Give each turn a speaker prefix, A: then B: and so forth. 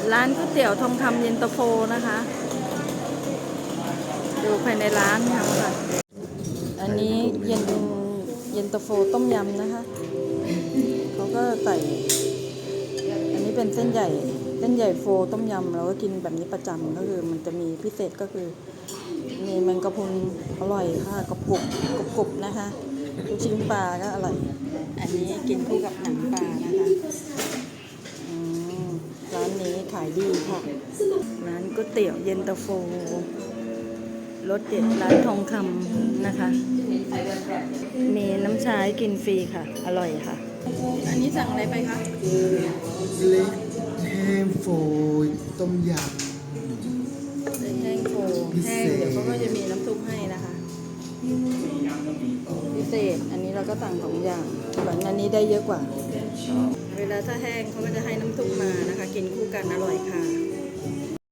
A: ร้านก๋วยเตี๋ยวทองคำเย็นตาโฟนะคะดูภายในร้านค่ะอันนี้เย็นตาโฟต้มยำนะคะเขาก็ใส่อันนี้เป็นเส้นใหญ่โฟต้มยำเราก็กินแบบนี้ประจำก็คือมันจะมีพิเศษก็คือมีแมงกะพรุนอร่อยค่ะกรุบนะคะลูกชิ้นปลาก็อร่อยอันนี้กินคู่กับหนังปลานะคะร้านนี้ขายดีค่ะร้านก๋วยเตี๋ยวเย็นตาโฟรสเด็ดร้านทองคำนะคะมีน้ำชาให้กินฟรีค่ะอร่อยค่ะอันนี้สั่งอะไรไปคะ
B: เล็กแห้งโฟยต้มย
A: เล็กแห้งโฟแห้งเดี๋ยวเขาก็จะมีน้ำซุปให้นะคะพิเศษอันนี้เราก็สั่ง2อย่างเหมือนอันนี้ได้เยอะกว่าเวลาถ้าแห้งเขาก็จะให้น้ำซุปมานะคะกินคู่กันอร่อยค่ะ